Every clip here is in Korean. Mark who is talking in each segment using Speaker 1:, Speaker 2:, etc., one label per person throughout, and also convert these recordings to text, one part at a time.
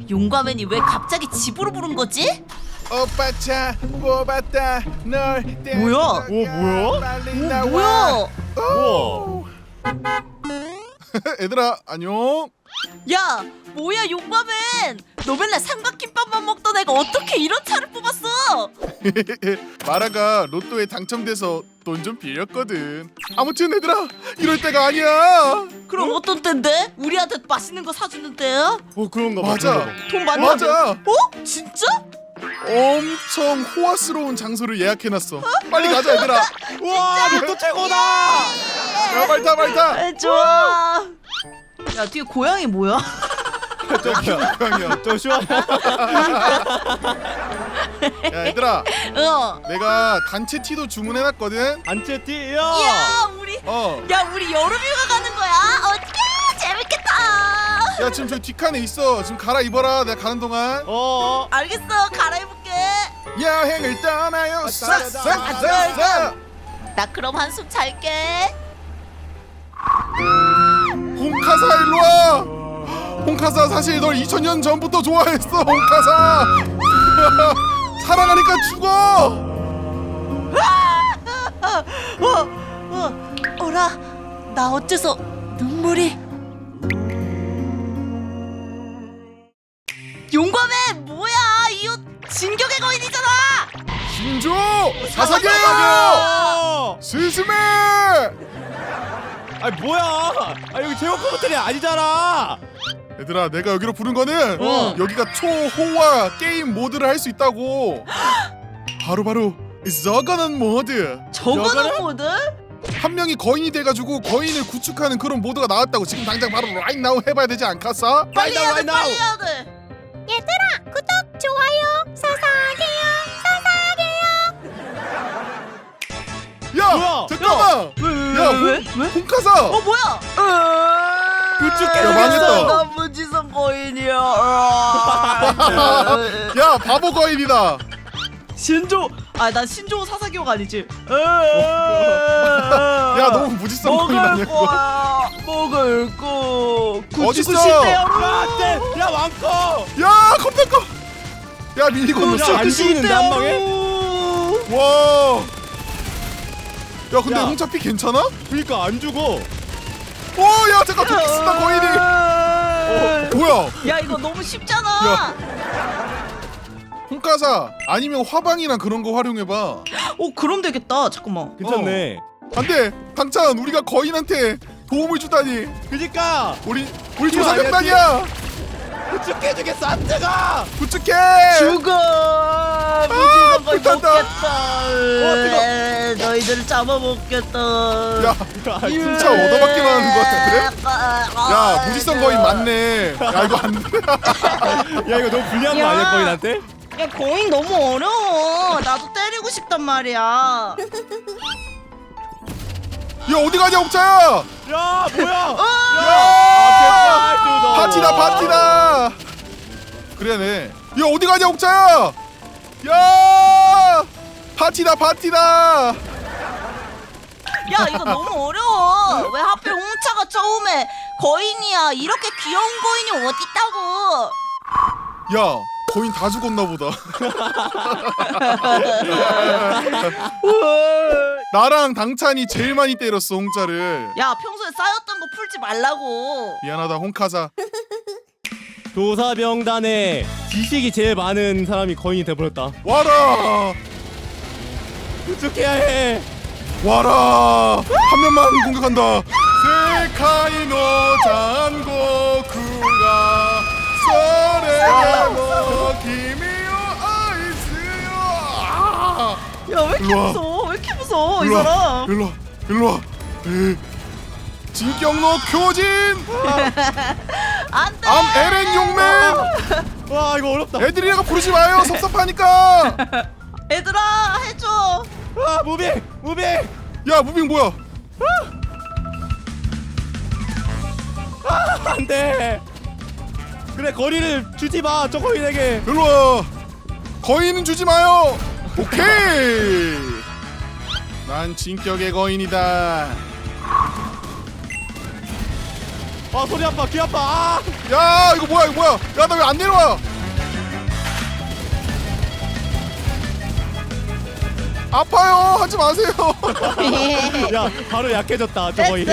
Speaker 1: 용과맨이 왜 갑자기 집으로 부른 거지?
Speaker 2: 오빠 차 뽑았다 널
Speaker 1: 뭐야?
Speaker 3: 뭐야?
Speaker 2: 빨리
Speaker 1: 오,
Speaker 2: 나와.
Speaker 1: 뭐야?
Speaker 2: 오. 얘들아 안녕.
Speaker 1: 야, 뭐야 용과맨? 너 맨날 삼각김밥만 먹던 애가 어떻게 이런 차를 뽑았어?
Speaker 2: 마라가 로또에 당첨돼서 돈 좀 빌렸거든. 아무튼 얘들아 이럴 때가 아니야.
Speaker 1: 그럼 어떤 때인데? 우리한테 맛있는 거 사주는 때야?
Speaker 3: 그런가 봐.
Speaker 2: 맞아.
Speaker 3: 그런가 봐.
Speaker 1: 돈 많이
Speaker 2: 맞아.
Speaker 1: 받는- 어? 진짜?
Speaker 2: 엄청 호화스러운 장소를 예약해놨어. 빨리 가자 얘들아.
Speaker 3: 와, 로또 최고다.
Speaker 2: 야 말타 말타.
Speaker 1: 좋아. 야, 뒤에 고양이 뭐야?
Speaker 2: 고양이야.
Speaker 3: 좀 시원해.
Speaker 2: 야 얘들아
Speaker 1: 어.
Speaker 2: 내가 단체 티도 주문해놨거든.
Speaker 3: 안채티.
Speaker 1: 야,
Speaker 3: 야.
Speaker 1: 우리
Speaker 2: 어.
Speaker 1: 우리 여름휴가 가는 거야. 어떡해? 재밌겠다.
Speaker 2: 야 지금 저기 뒷칸에 있어. 지금 갈아입어라. 내가 가는 동안.
Speaker 1: 알겠어. 갈아입을게.
Speaker 2: 여행을 떠나요. 싹싹싹싹.
Speaker 1: 나 그럼 한숨 잘게.
Speaker 2: 홍카사 일로와. 홍카사 사실 널 2000년 전부터 좋아했어. 홍카사. 사랑하니까 죽어.
Speaker 1: 어라, 나 어째서 눈물이? 용과맨 뭐야? 이 옷 진격의 거인이잖아.
Speaker 2: 신조 사사게요. 스스메.
Speaker 3: 아니 뭐야? 여기 제목부 호텔이 아니잖아.
Speaker 2: 얘들아 내가 여기로 부른 거는
Speaker 3: 어.
Speaker 2: 여기가 초호화 게임 모드를 할 수 있다고. 바로 저거는 모드.
Speaker 1: 저거는 모드?
Speaker 2: 한 명이 거인이 돼가지고 거인을 구축하는 그런 모드가 나왔다고. 지금 당장 바로 right now 해봐야 되지 않겠어?
Speaker 1: 빨리 해야 돼,
Speaker 3: right now.
Speaker 1: 빨리 해야 돼.
Speaker 4: 얘들아 구독 좋아요 사사게요.
Speaker 2: 야
Speaker 3: 뭐야?
Speaker 2: 잠깐만.
Speaker 1: 왜?
Speaker 2: 홍카사.
Speaker 1: 뭐야?
Speaker 3: 구축해
Speaker 2: 야, 망했다.
Speaker 1: 무지성 거인이야.
Speaker 2: 야 바보 거인이다.
Speaker 1: 신조. 난 신조 사사기호가 아니지.
Speaker 2: 야 너무 무지성 거인 아니야 그거?
Speaker 1: 거야. 먹을 거.
Speaker 2: 어딨어?
Speaker 3: 야, 안돼. 야, 왕커.
Speaker 2: 야 컴퓨터. 야 밀리고
Speaker 3: 야,
Speaker 2: 있어.
Speaker 3: 안 죽는데 한 방에?
Speaker 2: 와. 야 근데
Speaker 3: 야.
Speaker 2: 홍차피 괜찮아?
Speaker 3: 그러니까 안 죽어.
Speaker 2: 오야 잠깐 도끼 쓴다 거인이. 뭐야?
Speaker 1: 야, 이거 너무 쉽잖아.
Speaker 2: 홍카사 아니면 화방이나 그런 거 활용해봐.
Speaker 1: 그럼 되겠다. 잠깐만.
Speaker 3: 괜찮네.
Speaker 2: 안돼 당찬 우리가 거인한테 도움을 주다니.
Speaker 3: 그니까
Speaker 2: 우리
Speaker 3: 이거
Speaker 2: 조사병단이야.
Speaker 3: 구축해주겠어. 안 뜨거.
Speaker 2: 구축해.
Speaker 1: 죽어. 무지성 거인
Speaker 2: 불탄다.
Speaker 1: 먹겠다.
Speaker 3: 뜨거.
Speaker 1: 너희들을 잡아먹겠다.
Speaker 2: 야 진짜 얻어맞기만 하는 거 같아. 그래? 야 무지성 거인 맞네. 야 이거 안 돼.
Speaker 3: 야, 이거 너무 불리한 거 아니야, 거인한테?
Speaker 1: 야, 거인 너무 어려워. 나도 때리고 싶단 말이야.
Speaker 2: 야 어디 가냐 옥자야.
Speaker 3: 야, 뭐야?
Speaker 2: 야 파티다 파티다. 그래네. 야 어디 가냐 옥자야. 야 파티다 파티다.
Speaker 1: 야, 이거 너무 어려워. 왜 하필 홍차가 처음에 거인이야? 이렇게 귀여운 거인이 어딨다고?
Speaker 2: 야 거인 다 죽었나 보다. 나랑 당찬이 제일 많이 때렸어 홍자를.
Speaker 1: 야, 평소에 쌓였던 거 풀지 말라고.
Speaker 2: 미안하다 홍카사.
Speaker 3: 조사병단에 지식이 제일 많은 사람이 거인이 돼버렸다.
Speaker 2: 와라
Speaker 3: 구축해야 해.
Speaker 2: 와라 한 명만 공격한다. 세카이노 잔고쿠가 서레모 기미요 아이스요.
Speaker 1: 야, 왜 이렇게
Speaker 2: 일로와.
Speaker 1: 무서워? 왜 이렇게 무서워, 이
Speaker 2: 일로와,
Speaker 1: 사람?
Speaker 2: 일로와. 진격로 교진.
Speaker 1: 안 돼!
Speaker 2: 암 에렌 용맨.
Speaker 3: 와, 이거 어렵다.
Speaker 2: 애들이라고 부르지 마요. 섭섭하니까.
Speaker 1: 얘들아, 해줘.
Speaker 3: 무빙.
Speaker 2: 야 무빙 뭐야?
Speaker 3: 안 돼. 그래, 거리를 주지 마, 저 거인에게.
Speaker 2: 일로와. 거인은 주지 마요. 오케이. 난 진격의 거인이다.
Speaker 3: 아 소리 아파 귀 아파. 아!
Speaker 2: 야 이거 뭐야 이거 뭐야? 야 나 왜 안 내려와? 아파요. 하지 마세요.
Speaker 3: 야 바로 약해졌다 저 거인.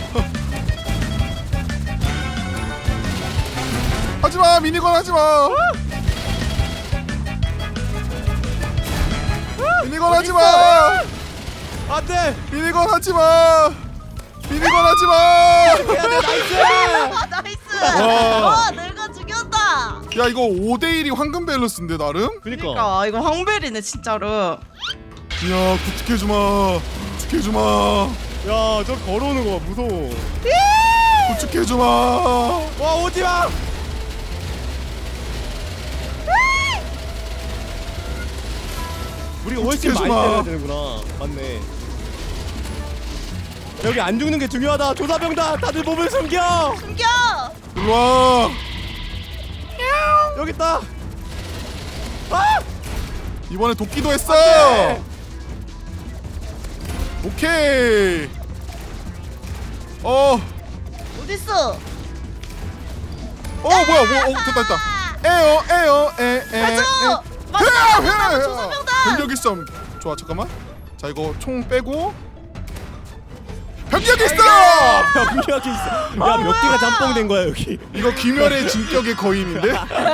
Speaker 2: 하지 마 미니건 하지 마. 미니건 하지 마.
Speaker 3: 안돼.
Speaker 2: 미니건 하지 마. 미니건 하지 마.
Speaker 3: 해야돼 나이스.
Speaker 1: 나이스.
Speaker 2: 와.
Speaker 1: 와 내가 죽였다.
Speaker 2: 야 이거 5대1이 황금 밸런스인데 나름?
Speaker 3: 그니까.
Speaker 1: 그러니까 이거 황벨이네 진짜로.
Speaker 2: 야 구축해주마. 구축해주마.
Speaker 3: 야저 걸어오는 거 무서워.
Speaker 2: 구축해주마.
Speaker 3: 와 오지마. 우리가 훨씬 많이
Speaker 2: 해주마.
Speaker 3: 때려야 되는구나. 맞네. 여기 안 죽는 게 중요하다. 조사병다. 다들 몸을 숨겨.
Speaker 1: 숨겨.
Speaker 2: 일로와.
Speaker 3: 여기 있다. 아!
Speaker 2: 이번에 도끼도 했어.
Speaker 3: 돼.
Speaker 2: 오케이.
Speaker 1: 어딨어?
Speaker 2: 뭐야 됐다 됐다. 에어
Speaker 1: 가져.
Speaker 2: 회라
Speaker 1: 조사병단.
Speaker 2: 병력이 썸. 좋아 잠깐만. 자 이거 총 빼고 병력이 있어.
Speaker 3: 병력이 있어. 야 몇 개가 짬뽕된 거야 여기.
Speaker 2: 이거 귀멸의 진격의 거인인데.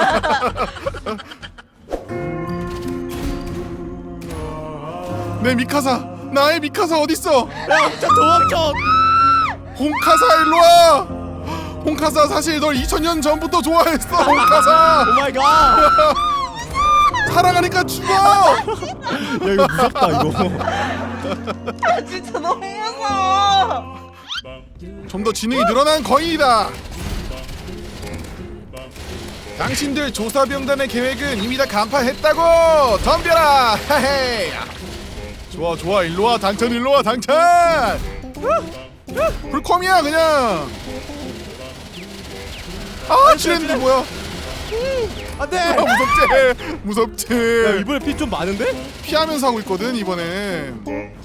Speaker 2: 내 미카사 나의 미카사 어딨어?
Speaker 3: 야 진짜 도망쳐.
Speaker 2: 홍카사 일로와. 홍카사 사실 널 2000년 전부터 좋아했어. 홍카사
Speaker 3: 오 마이 갓.
Speaker 2: 사랑하니까 죽어.
Speaker 3: 야 이거 무섭다 이거.
Speaker 1: 아 진짜 너무 무서워.
Speaker 2: 좀 더 지능이 늘어난 거인이다. 당신들 조사병단의 계획은 이미 다 간파했다고. 덤벼라. 헤헤. 좋아 좋아 일로와 당찬 일로와 당찬. 불컴이야 그냥. 아 지뢰인데 뭐야?
Speaker 3: 안돼.
Speaker 2: 아, 무섭지 무섭지.
Speaker 3: 야 이번에 피 좀 많은데?
Speaker 2: 피하면서 하고 있거든 이번에.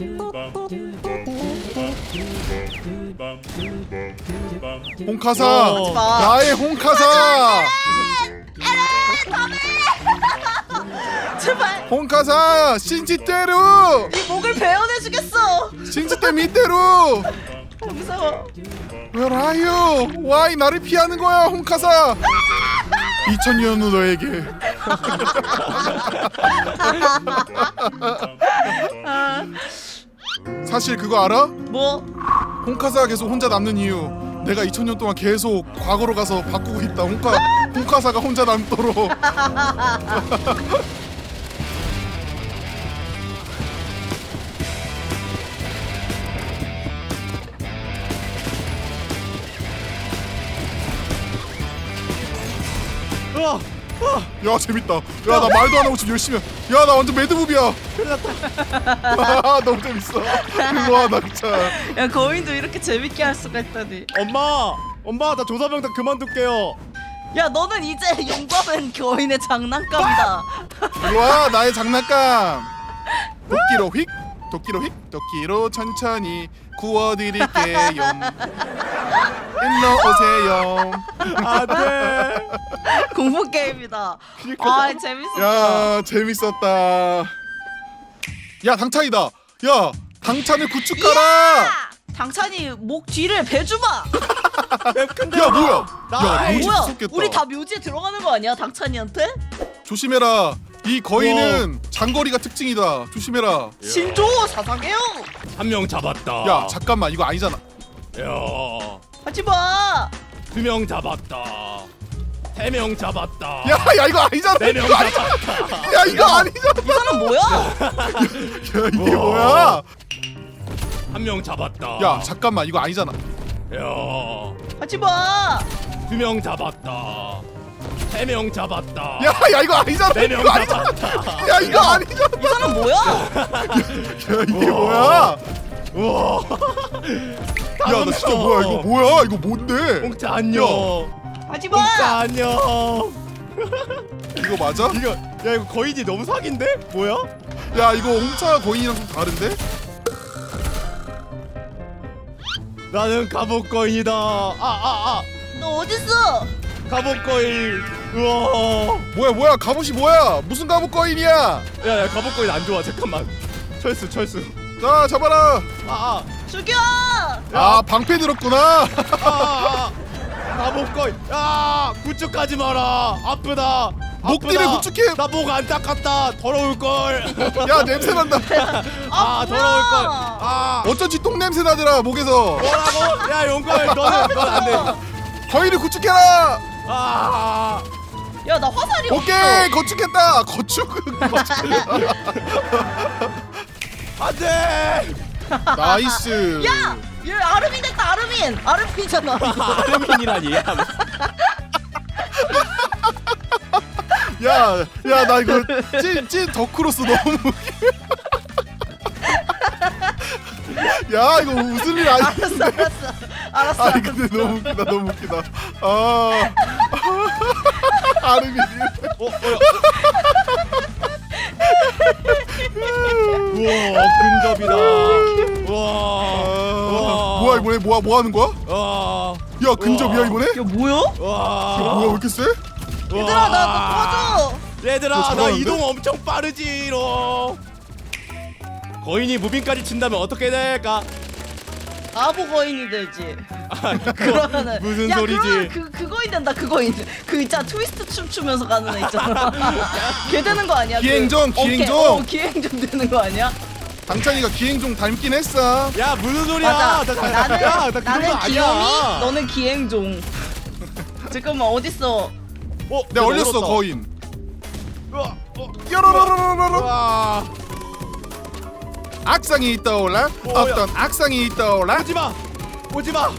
Speaker 2: 홍카사
Speaker 3: 어.
Speaker 2: 나의 홍카사.
Speaker 1: 제발
Speaker 2: 홍카사 신지대로
Speaker 1: 이 목을 베어내주겠어.
Speaker 2: 신지대 밑대로.
Speaker 1: 무서워.
Speaker 2: Where are you? Why 나를 피하는 거야 홍카사. 2000년 후 너에게. 사실 그거 알아?
Speaker 1: 뭐?
Speaker 2: 홍카사가 계속 혼자 남는 이유 내가 2000년 동안 계속 과거로 가서 바꾸고 있다. 홍카사가 혼자 남도록. 야 재밌다. 야 나 말도 안 하고 지금 열심히. 야 나 완전 매드무비야. 너무 재밌어. 일로와 낙차.
Speaker 1: 야 거인도 이렇게 재밌게 할 수가 있다니.
Speaker 3: 엄마 나 조사병단 그만둘게요.
Speaker 1: 야 너는 이제 용감한 거인의 장난감이다.
Speaker 2: 일로와 나의 장난감. 도끼로 휙 도끼로 휙 도끼로 천천히 구워드릴게요. 일로 오세요.
Speaker 3: 안돼.
Speaker 1: 공포 게임이다.
Speaker 3: 그러니까.
Speaker 1: 아 재밌었다.
Speaker 2: 야 재밌었다. 야 당찬이다. 야 당찬을 구축 가라.
Speaker 1: 당찬이 목 뒤를 베주마.
Speaker 3: 근데
Speaker 2: 야 뭐야? 야
Speaker 3: 나이.
Speaker 2: 묘지
Speaker 1: 뭐야?
Speaker 2: 무섭겠다.
Speaker 1: 우리 다 묘지에 들어가는 거 아니야? 당찬이한테?
Speaker 2: 조심해라. 이 거인은 장거리가 특징이다. 조심해라.
Speaker 1: 신조 사상해요.
Speaker 3: 한 명 잡았다.
Speaker 2: 야 잠깐만 이거 아니잖아.
Speaker 3: 야.
Speaker 1: 하지 마.
Speaker 3: 2명 잡았다. 3명 잡았다.
Speaker 2: 야 이거 아니잖아.
Speaker 3: 4명
Speaker 2: 이거 아니잖아.
Speaker 3: 잡았다.
Speaker 2: 야 이거 아니잖아.
Speaker 1: 이 사람 뭐야?
Speaker 2: 야 이게 뭐야?
Speaker 3: 1명 잡았다.
Speaker 2: 야 잠깐만 이거 아니잖아.
Speaker 3: 야.
Speaker 1: 하지 마.
Speaker 3: 2명 잡았다. 3명 잡았다.
Speaker 2: 야 이거 아니잖아.
Speaker 3: 4명
Speaker 2: 이거 아니잖아.
Speaker 3: 잡았다.
Speaker 2: 야 이거 아니잖아.
Speaker 1: 이 사람 뭐야?
Speaker 2: 야 이게 뭐야?
Speaker 3: 우와.
Speaker 2: 야 나 진짜 뭐야 이거 뭐야 이거 뭔데?
Speaker 3: 홍차 안녕.
Speaker 1: 하지
Speaker 3: 홍차
Speaker 1: 마.
Speaker 3: 안녕.
Speaker 2: 이거 맞아?
Speaker 3: 이거 야 이거 거인이 너무 사기인데? 뭐야?
Speaker 2: 야 이거 홍차 거인이랑 좀 다른데?
Speaker 3: 나는 갑옷 거인이다.
Speaker 1: 너 어딨어?
Speaker 3: 갑옷 거인. 우와.
Speaker 2: 뭐야 갑옷이 뭐야? 무슨 갑옷 거인이야?
Speaker 3: 야 갑옷 거인 안 좋아. 잠깐만. 철수.
Speaker 2: 자 잡아라.
Speaker 1: 죽여!
Speaker 2: 아 방패 들었구나.
Speaker 3: 갑옷 거인. 야 구축하지 마라. 아프다.
Speaker 2: 목뒤를 구축해.
Speaker 3: 나 목 안 닦았다. 더러울 걸.
Speaker 2: 야 냄새 난다.
Speaker 3: 더러울 걸.
Speaker 2: 어쩐지 똥 냄새 나더라 목에서.
Speaker 3: 뭐라고? 야 용걸 너는 안 돼.
Speaker 2: 거인을 구축해라.
Speaker 1: 야, 나 화살이
Speaker 2: 오케이 건축했다. 건축.
Speaker 3: 안돼.
Speaker 2: 나이스.
Speaker 1: 야! 얘 아르민 됐다, 아르민! 아르민이잖아.
Speaker 3: 아르민이라니.
Speaker 2: 야 나 이거 찐 덕후로서 너무 야 이거 웃을 일 아닌데.
Speaker 1: 알았어.
Speaker 2: 아니 근데 너무 웃기다. 아르민이.
Speaker 3: 우와 근접이다. 우와.
Speaker 2: 뭐야 뭐 하는 거야? 야 근접이야 이번에?
Speaker 1: 야, 뭐야?
Speaker 2: 뭐야 왜 이렇게 세?
Speaker 1: 얘들아, 나 도와줘!
Speaker 3: 얘들아 나
Speaker 2: 잘하는데?
Speaker 3: 이동 엄청 빠르지롱. 거인이 무빙까지 친다면 어떻게 될까?
Speaker 1: 바보 거인이 되지. 그러면은
Speaker 3: 무슨
Speaker 1: 야,
Speaker 3: 소리지?
Speaker 1: 그러면 그거인 된다. 그거인. 그 있잖아, 트위스트 춤 추면서 가는 애 있잖아. 걔 되는 거 아니야?
Speaker 2: 기행종,
Speaker 1: 오케이,
Speaker 2: 기행종.
Speaker 1: 기행종 되는 거 아니야?
Speaker 2: 당찬이가 기행종 닮긴 했어.
Speaker 3: 야 무슨 소리야?
Speaker 1: 맞아.
Speaker 3: 나는 그
Speaker 1: 나는
Speaker 3: 정도
Speaker 1: 귀요미,
Speaker 3: 아니야.
Speaker 1: 너는 기행종. 잠깐만, 어딨어?
Speaker 2: 내가 얼렸어 거인.
Speaker 3: 우와.
Speaker 2: 뾰로로로로로.
Speaker 3: 우와.
Speaker 2: 악상이 떠올라. 어떤 악상이 떠올라.
Speaker 3: 오지마.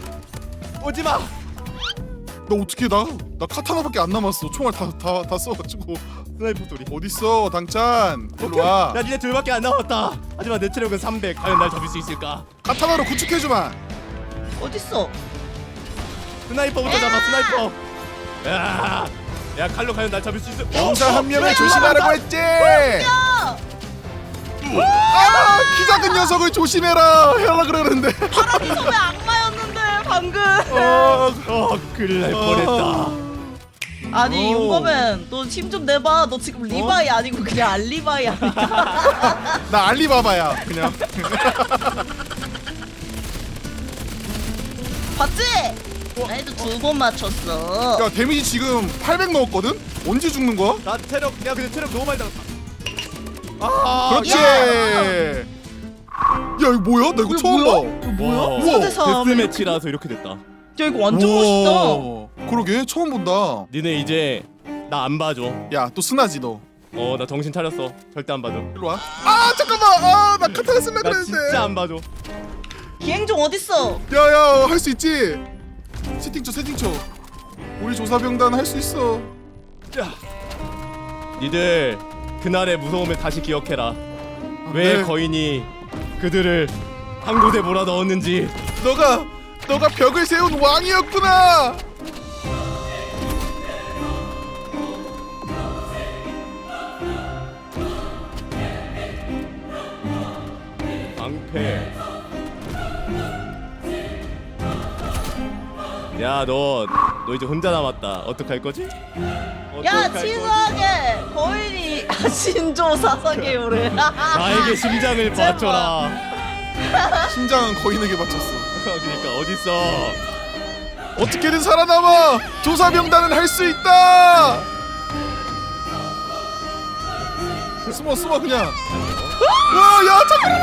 Speaker 2: 너 어떻게 나 카타나밖에 안 남았어. 총알 다 써가지고.
Speaker 3: 스나이퍼 소리.
Speaker 2: 어딨어 당찬. 일로 와.
Speaker 3: 야 니네 둘밖에 안 남았다. 하지만 내 체력은 300. 과연 날 잡을 수 있을까?
Speaker 2: 카타나로 구축해주마.
Speaker 1: 어딨어?
Speaker 3: 스나이퍼부터 잡아. 스나이퍼. 야 칼로 과연 날 잡을 수 있을?
Speaker 2: 용사 한 명을 조심하라고 했지.
Speaker 1: 야!
Speaker 2: 키 작은 녀석을 조심해라 하려 그러는데.
Speaker 1: 파란이 섬의 악마였는데 방금.
Speaker 3: 큰일 날 뻔했다.
Speaker 1: 아니 용검은 너 힘 좀 내봐. 너 지금 리바이 아니고 그냥 알리바이 아니야?
Speaker 2: 나 알리바바야 그냥.
Speaker 1: 봤지? 나도 2번 맞췄어.
Speaker 2: 야 데미지 지금 800 넣었거든? 언제 죽는 거야?
Speaker 3: 나 체력 야 근데 체력 너무 많이 달았다.
Speaker 2: 그렇지. 야 이거 뭐야? 나 이거 처음 봐.
Speaker 1: 뭐야?
Speaker 2: 우와,
Speaker 1: 4대3.
Speaker 3: 데스매치라서 이렇게 됐다.
Speaker 1: 야 이거 완전 멋있다.
Speaker 2: 우와, 그러게 처음 본다.
Speaker 3: 니네 이제 나 안 봐줘.
Speaker 2: 야 또 스나지 너.
Speaker 3: 나 정신 차렸어. 절대 안 봐줘.
Speaker 2: 일로 와. 아 잠깐만. 나 카타나 쓸라
Speaker 3: 나
Speaker 2: 그랬는데.
Speaker 3: 진짜 안 봐줘.
Speaker 1: 기행종 어딨어?
Speaker 2: 야야 할 수 있지. 세팅 쳐. 우리 조사병단 할 수 있어.
Speaker 3: 니들 그날의 무서움을 다시 기억해라.
Speaker 2: 네.
Speaker 3: 왜 거인이 그들을 한 곳에 몰아넣었는지.
Speaker 2: 너가 벽을 세운 왕이었구나.
Speaker 3: 방패. 야 너 이제 혼자 남았다. 어떡할 거지?
Speaker 1: 야
Speaker 3: 어떡할
Speaker 1: 치사하게 거인이 신조 사사계 요래.
Speaker 3: 나에게 심장을
Speaker 1: 제발.
Speaker 3: 바쳐라.
Speaker 2: 심장은 거인에게 바쳤어.
Speaker 3: 그러니까 어딨어?
Speaker 2: 어떻게든 살아남아. 조사병단은 할 수 있다. 숨어 그냥. 와야 잠깐만.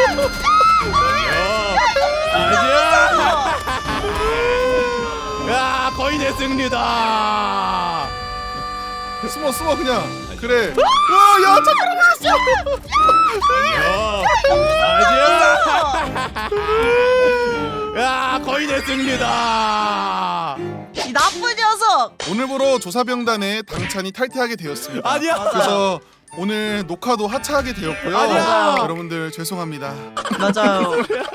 Speaker 3: 아니야. 야 거인의 승리다.
Speaker 2: 숨어 그냥. 그래. 와야 잠깐만.
Speaker 3: 아니야. 야 거인의 승리다.
Speaker 1: 이 나쁜 녀석.
Speaker 2: 오늘부로 조사병단에 당찬이 탈퇴하게 되었습니다.
Speaker 3: 아니야.
Speaker 2: 그래서 오늘 녹화도 하차하게 되었고요.
Speaker 3: 아니야.
Speaker 2: 여러분들 죄송합니다.
Speaker 1: 맞아요.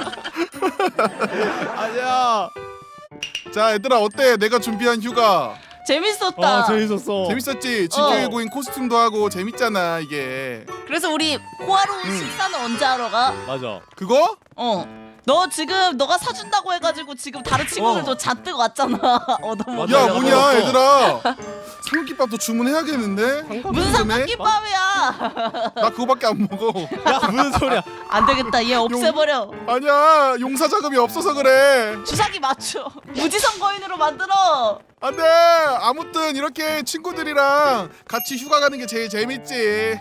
Speaker 3: 아니야.
Speaker 2: 자 얘들아 어때? 내가 준비한 휴가
Speaker 1: 재밌었다.
Speaker 3: 재밌었어.
Speaker 2: 재밌었지? 진격의 고인 코스튬도 하고 재밌잖아 이게.
Speaker 1: 그래서 우리 호화로운 식사는 언제 하러 가?
Speaker 3: 맞아.
Speaker 2: 그거?
Speaker 1: 너 지금 너가 사준다고 해가지고 지금 다른 친구들도 잔뜩 왔잖아. 얻어먹어.
Speaker 3: 맞아,
Speaker 2: 야
Speaker 3: 맞아.
Speaker 2: 뭐냐 얘들아 삼겹밥도 주문해야겠는데
Speaker 1: 무슨 삼각김밥이야?
Speaker 2: 나 그거밖에 안 먹어.
Speaker 3: 야 무슨 소리야?
Speaker 1: 안 되겠다. 얘 없애버려.
Speaker 2: 아니야 용사 자금이 없어서 그래.
Speaker 1: 주사기 맞춰. 무지성 거인으로 만들어.
Speaker 2: 안돼. 아무튼 이렇게 친구들이랑 같이 휴가 가는 게 제일 재밌지.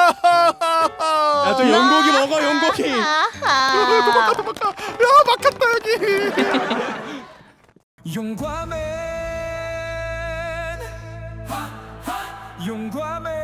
Speaker 3: 야저 용고기 먹어 용고기.
Speaker 1: 아하.
Speaker 2: 도망가. 야 막혔다 여기.
Speaker 5: 용과맨 용과맨